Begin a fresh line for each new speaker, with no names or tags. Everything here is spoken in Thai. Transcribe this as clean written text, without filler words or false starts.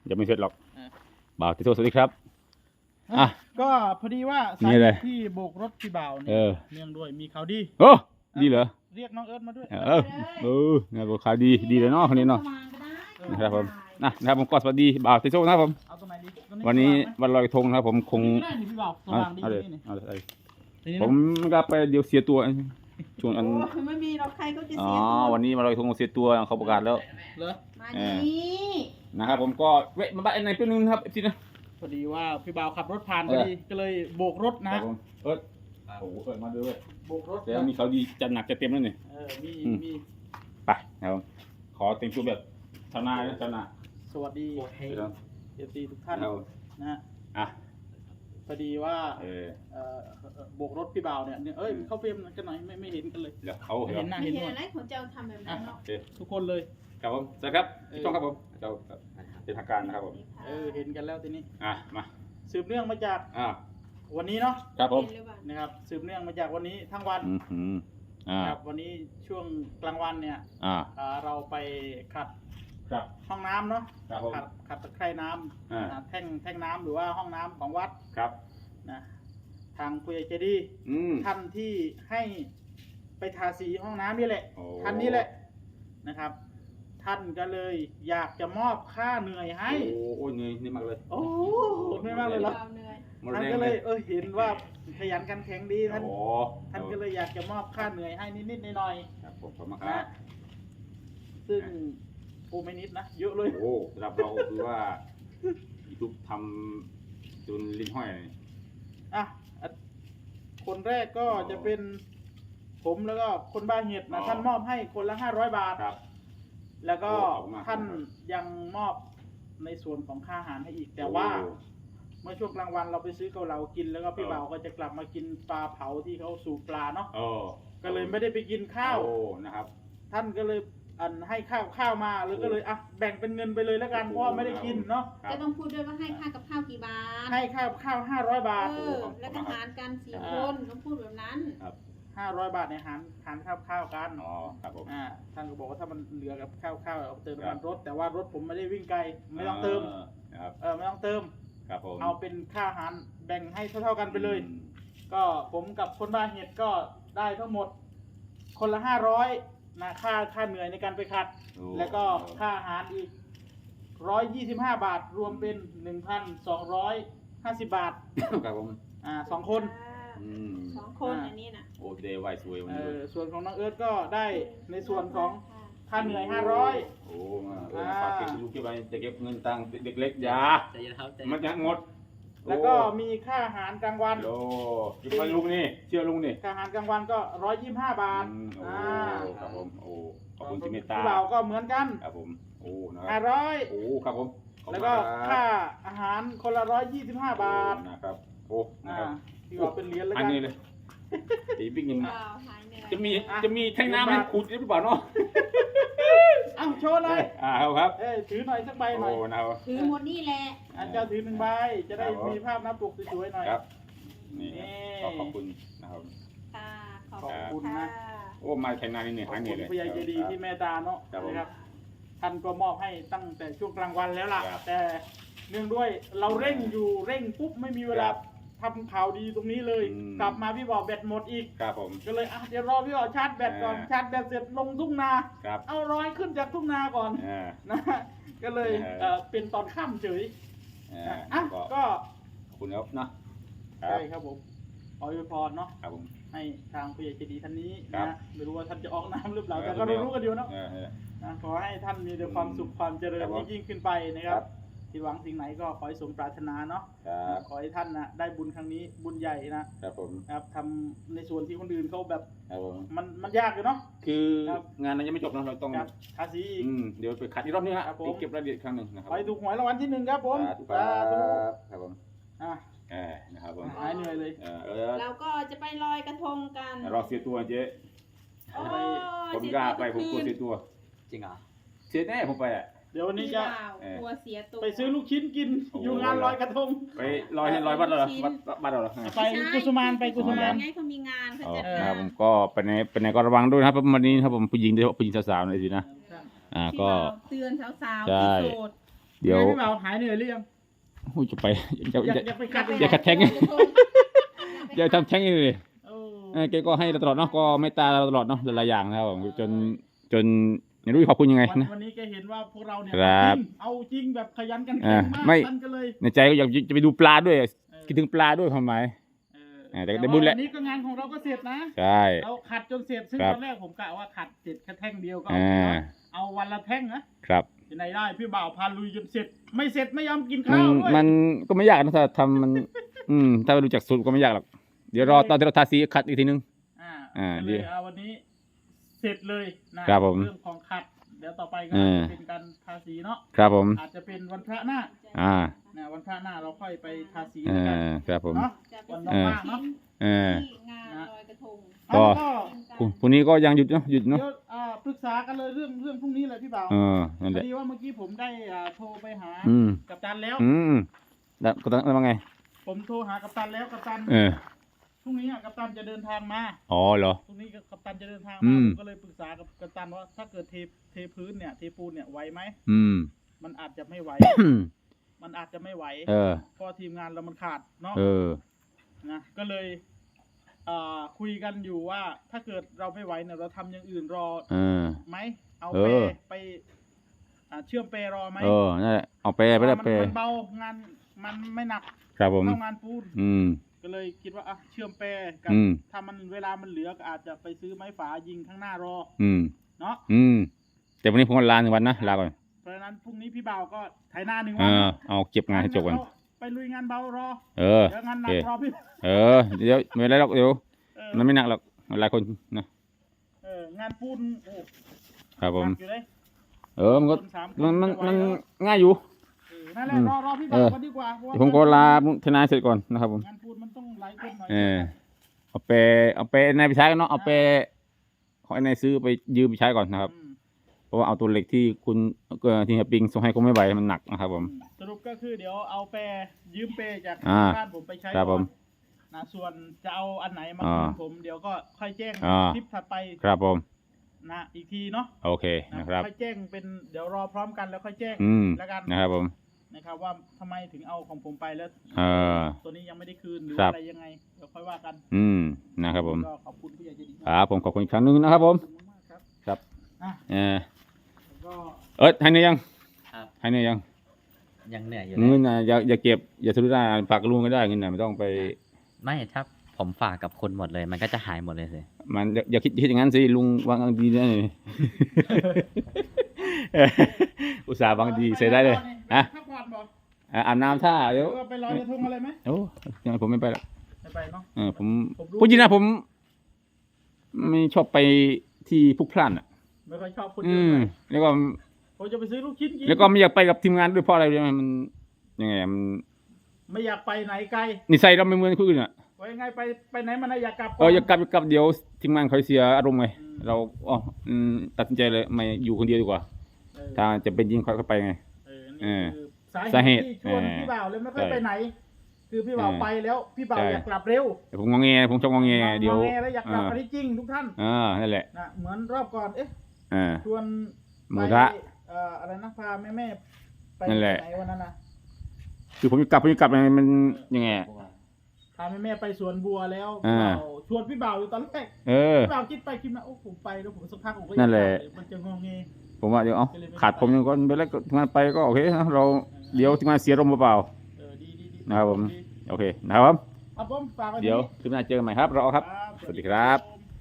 ยังไม่เสร็จหรอกบ่าวติโตสวัสดีครับอ่ะ
ก็พอดีว่า
นี่
สาย
เลย
ที่โบกรถพี่บ่าวเนี่ยเนื่องด้วยมีข่าวดี
โอ้ดีเหรอ
เรียกน้องเอิร์ธมาด้วย
งานบอกข่าวดีเลยเนาะคนนี้เนาะนะครับผมนะครับผมก็สวัสดีบ่าวติโตนะครับผม
เอาตรงไหนดี
วันนี้วันลอยกระทงนะครับผมคง
ได้นี่พี่บ่าวส
เอา
ว่างดี
เอาเลย
นี่
เอาเลย
นี่
ผมก็ไปเดี๋ยวเสียตัวช่วงอัน
โอ้ไม่มีเราใครเขาจะ
อ๋อ
เสียตัว
วันนี้มาลอยกระทงเสียตัวเขาประกาศแล้ว
เหรอ
มานี่
นะครับผมก็เวะมาบ้านไหนเป็นนึงนะครับทีนะ
พอดีว่าพี่บ่าวขับรถผ่านพอดีก็เลยโบกรถ
ค
นะ
รับผมโอ้โหมาด้วย
โบกรถ
แล้วมีเขาดีจัดหนักจัดเต็มแล้วนี่
มี
ไปนะครับผมขอแต่งตัวแบบชาวนานะชาวนา
สวัสดี
เดี๋ยว
เอฟซีทุกท่าน
เรา
นะฮะ
อ่ะ
พอดีว่า
เออ
โบกรถพี่บ่าวเนี่ยเอ้ยเข้าเฟรมกันหน่อยไม่เห็นกันเลย
เดี๋ยวเขา
ไม่
เดี๋ยว
เห็นหน้า
ไม่
เห็น
เห็น
หนวด
อะไรของเจ้าทำแบบนั้นเนาะ
โอเค
ทุกคนเลย
ครับผมสวัสดีครับพี่ต้องครับผมเจ้าเป็นทางการนะครับผม
เห็นกันแล้วทีนี้
มา
สืบเนื่องมาจาก วันนี้เนาะ
ครับผม
เห็นหรือเปล่า
นะครับสืบเนื่องมาจากวันนี้ทั้งวัน
ครับ
วันนี้ช่วงกลางวันเนี่ย เราไปขัด
ครับ
ห้องน้ำเนาะ
ครับผม
ขัดตะไคร่น้ำแท่งน้ำหรือว่าห้องน้ำของวัด
ครับ
นะทางผู้ใหญ่ใจดีท่านที่ให้ไปทาสีห้องน้ำนี่แหละท่านนี้แหละนะครับ ท่านก็เลยอยากจะมอบค่าเหนื่อยให้
โอ้ยเหนื่อยนี่มากเลย
โอ้ไม่มากเลยเหรอ
ความเหนื่อย
ท่านก็เลยเห็นว่าขยันขันแข็งดีท่าน
โอ้
ท่านก็เลยอยากจะมอบค่าเหนื่อยให้นิดๆหน่อย
ครับผมขอบคุณ
ๆ
ครั
นะ
บ
ซึ่งโอ้ไม่นิดนะเยอะเลย
โอ้สำหรับเราคือว่ายูทูบทำจนลิ้นห้อยเลย
อ่ะคนแรกก็จะเป็นผมแล้วก็คนบ้าเห็ดนะท่านมอบให้คนละ500 บาท
ครับ
แล้วก็
ขอบคุณมาก
ท่านยังมอบในส่วนของค่าอาหารให้อีก แต่ว่า เมื่อช่วงกลางวันเราไปซื้อเกาเหลากินแล้วก็พี่บ่าวก็จะกลับมากินปลาเผาที่เขาสูบปลาเนาะก็เลยไม่ได้ไปกินข้าว
นะครับ
ท่านก็เลยให้ข้าวมาแล้วก็เลยแบ่งเป็นเงินไปเลยแล้วกันเพราะว่าไม่ได้กินเนาะ
จะต้องพูดด้วยว่าให้ค่ากับข้าวกี่บาท
ให้ข้าว500 บาท
แล้วก็หารกัน4 คนต้องพูดแบบนั้น
500 บาทในหารข้าวกัน
อ๋อครับผม
ท่านก็บอกว่าถ้ามันเหลือกับข้าวเอาเติมน้ำมันรถ แต่ว่ารถผมไม่ได้วิ่งไกลไม่ต้องเติม
นะครับ
ไม่ต้องเติม
ครับผม
เอาเป็นค่าอาหารแบ่งให้เท่าๆกันไปเลย ก็ผมกับคนบ้านเห็ดก็ได้ทั้งหมดคนละ500นะค่าเหนื่อยในการไปขัด แล้วก็ค่าอาหารอีก125 บาทรวมเป็น 1,250 บาท
ครับผม
2 คน
2 คนอันนี้นะ
โอ้เดย์ไวสวยวันนี้
ส่วนของน้องเอิร์ธก็ได้ในส่วนของค่าเหนื่อย500
โอ้ฝากเก็บลูกเก็บไปจะเก็บเงินตังค์เด็กเล็กยามันจะงด
แล้วก็มีค่าอาหารกลางวัน
โอ้เก็บไปลุงนี่เชื่อลุงนี่
ค่าอาหารกลางวันก็125 บาท
โอ้ครับผมโอ้ขอบคุณที่เมตตา
เราก็เหมือนกัน
ครับผมโอ้นะครั
500
โอ้ครับผม
แล้วก็ค่าอาหารคนละ125 บาท
นะครับโอ้นะครับ
ที่ว่าเป็นเหรียญแล้ว
อัน
กัน
นี้เลยตีบิ๊กยิง
เปล่าหายเหนื่อย
จะมีแท่งน้ำให้ขูดหรือเปล่าเนาะ
เอ้าโชว์หน่อย
ครับ
ถือหน่อยสักใบหน่อย
โอ้นะครับ
ถือหมดนี่แหละ
เจ้าถือ1 ใบจะได้มีภาพหน้าปกสวยๆหน่อย
ครับนี่ขอบคุณนะครับ
ค่ะขอบ
ขอบ
คุ
คุณ ณ
ค่ะ
นะ
โอ้มาแข่งนานนี่เนี่ย
ขอ
หา
บ
เนี่
คุ
ย
ณ
เลย
ผู้ใหญ่ใจดีที่เมตตาเนาะ
ครับผม
นะครับท่านก็มอบให้ตั้งแต่ช่วงกลางวันแล้วล่ะ
ครับ
แต่เนื่องด้วยเราเร่งอยู่เร่งปุ๊บไม่มีเวลา
ครับ
ทำข่าวดีตรงนี้เลย กลับมาพี่บอกแบตหมดอีก
ครับผม
ก็เลยเดี๋ยวรอพี่บอกชาร์จแบตก่อนชาร์จแบตเสร็จลงทุ่งนา
ครับ
เอาร้อยขึ้นจากทุ่งนาก่อนนะก็เลยเป็นตอนค่ำเฉยก็
ขอบคุณครับเนาะ
ใช่ครับผมขออวยพรเนาะ
ครับผม
ให้ทางผู้ใหญ่ใจดีท่านนี้
ครับ
นะไม่รู้ว่าท่านจะออกน้ำหรือเปล่าแต่ก็รู้กันอยู่เนาะนะขอให้ท่านมีแต่ความสุขความเจริญยิ่งขึ้นไปนะครับที่หวังสิ่งไหนก็ขอให้สมปรารถนาเนาะ
ครับ
ขอให้ท่านนะได้บุญครั้งนี้บุญใหญ่นะครับ
ผม
ครับทำในส่วนที่คนอื่นเขาแบบ
ครับผม
มันยากอยู่เนาะ
คืองานนั้นยังไม่จบนะเราต้อง
ครับทาสีอีก
เดี๋ยวไปขัดอีกรอบนึงฮะ
ครับผม
เก็บรายละเอียดครั้งหนึ่งนะครับ
ไปถูกหวยรางวัลที่1ครับผม
สาธุครับครับผม
อ่ะ
นะครับผม
หายเหนื่อยเลย
เราก็จะไปลอยกระทงกัน
รอเสียตัวเจ๊
โอ้
ผมกล้าไปผมกลัวเสียตัว
จริงเหรอ
เสียแน่ผมไปอ่ะ
เดี๋ยววันนี้จะ
กลัวเสียตัว
ไปซื้อลูกชิ้นกิน
โอ้โห
อยู่งานลอยกระทง
ไปลอยวัดเหรอวัดเหรอ
ไปกุสุมานไปกุสุมาน
ไงเขามีงานเขา
อ๋อ
จัด
ค
งา
รับ
น
ผมก็ไปไหนก็ระวังด้วยนะครับวันนี้ครับผมผู้หญิงโดยเฉพาะผู้หญิงสาวๆหน่อยสินะก็
เตือนสาว
ใช่
ๆที่โสด
เดี๋ยว
พี่บ่าวหายเหนื่อยหรือยัง
โอ้ยจะไปจะ
อยากไปขัด
อย่าขัดแท้งอย่าทำแท้งเลย
โอ้
แกก็ให้เราตลอดเนาะก็ไม่ตาเราตลอดเนาะหลายๆอย่างนะครับผมจนไม่รู้จะขอบคุณยังไงนะ
วันนี้แกเห็นว่าพวกเราเนี่ย
ครับ
เอาจริงแบบขยันกัน
อ่า
แข็งมาก
ไม่
ท่านก็เลย
ในใจก็อยากจะไปดูปลาด้วยคิดถึงปลาด้วยความหมาย แต่ก็ได้บุญแหละ
วันนี้ก็งานของเราก็เสร็จนะ
ใช่
เราขัดจนเสร็จซึ่ง
ครับ
ตอนแรกผมกะว่าขัดเสร็จแค่แท่งเดียวก็
อ่า
เอาวันละแท่งนะครับ ที่ไหนได้พี่บ่าวพาลุยจนเสร็จ ไม่เสร็จไม่ยอมกิน
มั
ข้าน วด้วย
มันก็ไม่ยากนะถ้าทำมัน ถ้ารู้จักสูตรก็ไม่ยากหรอกเดี๋ยวรอตอนที่เราทาสีขัดอีกทีนึง
ก็เลยเอาวันนี้เสร็จเลยนะ
ครับผม
เรื่องของขัด เดี๋ยวต่อไปก็
อ่า
จะเป็นการทาสีเนาะ
ครับผม
อาจจะเป็นวันพระหน้า
อ่า
นะวันพระหน้าเราค่อยไปทาสี
เอ
แล้วกัน
อครับผม
เนาะ
จะ
วัน
เป็น
ว่างๆเนาะ
เออ
ที่งานลอยกระทง
ก็
เอา
พรุ่งนี้ก็ยังหยุดเนาะหยุด
เดี๋
เนาะ
ยวปรึกษากันเลยเรื่องพรุ่งนี้เลยพี่บ่าว
นั่น
พ
แห
อ
ละ
ดีว่าเมื่อกี้ผมได้โทรไปหา
อืม
กัปตันแล้ว
แล้วก็ต้องว่าไง
ผมโทรหากัปตันแล้วกัปตัน พรุ่งนี้กัปตันจะเดินทางมา
อ๋อเหรอ
พรุ่งนี้กัปตันจะเดินทาง
อื
มาม ผมก็เลยปรึกษากับกัปตันว่าถ้าเกิดเทพื้นเนี่ยเทปูนเนี่ยไหวไหม
อืม
มันอาจจะไม่ไหว มันอาจจะไม่ไหว
เออ
เพราะทีมงานเรามันขาดเนาะ
เออ
นะก็เลยคุยกันอยู่ว่าถ้าเกิดเราไม่ไหวเนี่ยเราทำอย่างอื่นรอ
เออ
ไหมเอา
เอ
เป
อ
ไปเชื่อมเปรอไหม
นั่นแหละเอาไปไป
เพ
ได้
ราะ
ไป
มันเบางานมันไม่หนัก
ครับผม
เท่างานปูน
อืม
ก็เลยคิดว่าเชื่อมแปรกับ
อืม
ถ้ามันเวลามันเหลือก็อาจจะไปซื้อไม้ฝายิงข้างหน้ารอ
อืม
เนาะ
แต่วันนี้ผมก็ลา1 วันนะลาก่อน
เพราะฉะนั้นพรุ่งนี้พี่บ่าวก็ไถหน้า1
เอ
วัน
อเอาเก็บงานให้จบก่อน
ไปลุยงานเบารอ
เออ
เดี๋ยวงานหนั
โอก เค
รอพี่
เดี๋ยวไม่เป็นไรหรอกเดี๋ยว
เออ
มันไม่หนักหรอกหลายคนนะ
งานปูนโอ้
ครับผม
หนักอยู่เลย
มันก็
คนสามคน
มัน
จะไหว
มัน
แล้ว
ง่ายอยู่
นั่นแหละรอพี่บ่าวก็ดีกว่าเพราะ
เดี๋ยวผมก็ลาทนายเสร็จก่อนนะครับผม
งานปูนมันต้องหลายคนหน่อย
เอาไปนายไปใช้กันเนาะเอาไปขอให้นายซื้อไปยืมไปใช้ก่อนนะครับ
อืม
เพราะว่าเอาตัวเหล็กที่คุณที่เฮียปิงส่งให้ก็ไม่ไหวมันหนักนะครับผม
สรุปก็คือเดี๋ยวเอาแปรยืมเปรจาก
อ่า
บ้านผมไปใช้
ครับ
ก่
ผ
อน
ม
นะส่วนจะเอาอันไหนมา
อ่า
คืนผมเดี๋ยวก็ค่อยแจ้ง
อ่า
คลิปถัดไป
ครับผม
นะอีกทีเนาะ
โอเคนะครับ
ค่อยแจ้งเป็นเดี๋ยวรอพร้อมกันแล้วค่อยแจ้ง แล้วกัน
นะครับผม
นะครับว่าทำไมถึงเอาของผมไปแล้ว ตัวนี้ยังไม่ได้คืนหรือ
ครับ
อะไรยังไงเดี๋ยวค่อยว่ากัน
นะครับผม
ก็ขอบคุณผู้ใหญ่ใจดี
ครับผมขอบคุณอีกครั้งหนึงนะครับผม
ขอบคุณมากครับ
ครับ
อ่ะ
แล้ว
ก็
ให้เนื้อยัง
ครับ
ให้เนื้อยัง
ยังเหนื่อยอยู่
เงินนะอย่าเก็บอย่าซื้อได้ฝากลุงก็ได้เงินนะไม่ต้องไป
ไม่ถ้าผมฝากกับคุณหมดเลย มันก็จะหายหมดเลยสิ
มันอย่าคิดอย่างนั้นสิลุงวางดีนะนี่ อุตส่าห์วางดีเสียได้เลยฮะ
พักผ่อนบอก
อาบน้ำท่าเดี๋ยว
ก็ไปลอยกระทงอะไรไหม
โอ้ยังไงผมไม่ไปหรอก
ไม่ไปเนาะ
ผม
ผมรู้
พูดจริงนะผมไม่ชอบไปที่พลุกพล่านอ่ะ
ไม่ค่อยชอบคนเยอะเลย
แล้วก็
ผมจะไปซื้อลูกชิ้นกิน
แล้วก็ไม่อยากไปกับทีมงานด้วยเพราะอะไรรู้ไหมมันยังไงอะมัน
ไม่อยากไปไหนไกล
นิสัยเราไม่เหมือนคนอื่นอ่ะ
ไว้ยังไงไปไหนมาไหนอยากกลับ
อยากกลับเดี๋ยวทีมงานเขาเสียอารมณ์ไง
อืม
เราตัดสินใจเลยไม่อยู่คนเดียวดีกว่า
เออ
ถ้าจะเป็นยิงเขาไปไง
นี่คือสา
สา
เห
เห
ตุ
ตุ
ที่ชวนพี่บ่าวเลยไม่ค่อย
ใช่
ไปไหน คือพี่บ่าว
เออ
ไปแล้วพี่บ่าว
ใช่
อยากกลับเร็ว
แต่ผมงองแงผมชอบงองแงเดี๋ยว
งอแงแล้วอยากกลับอันนี้จริงทุกท่าน
นั่นแหละ
นะเหมือนรอบก่อนเอ๊ะ
อ่า
ชวน
หมู
ไป
กระทะ
อะไรนะพาแม่ไป
นั่นแหละ
ไหนวันนั้นนะ
คือผมจะกลับมันยังไงอะ
พาแม่ไปสวนบัวแล้ว
อ่า
พี่บ่าวชวนพี่บ่าวอยู่ตอนแรก พี่บ่าวคิดไปคิดมาโอ้ผมไปแล้วผมสักพักผมก็อยาก
นั่นแหละ
กบมันจะงงเง
ผมว่าเดี๋ยวขาดผมยังก่อนไปแล้วก็ทำงานไปก็โอเคนะเราเดี๋ยวทำงานเสียลมเปล่า
ดี
นะครับผม
ดี
ๆโอเคนะครับผม
ครับผมฝากไว้
เดี๋ยว
ที่
คลิปหน้าเจอกันใหม่ครับรอครับ
ครับ
สวัสดีครับ
ผม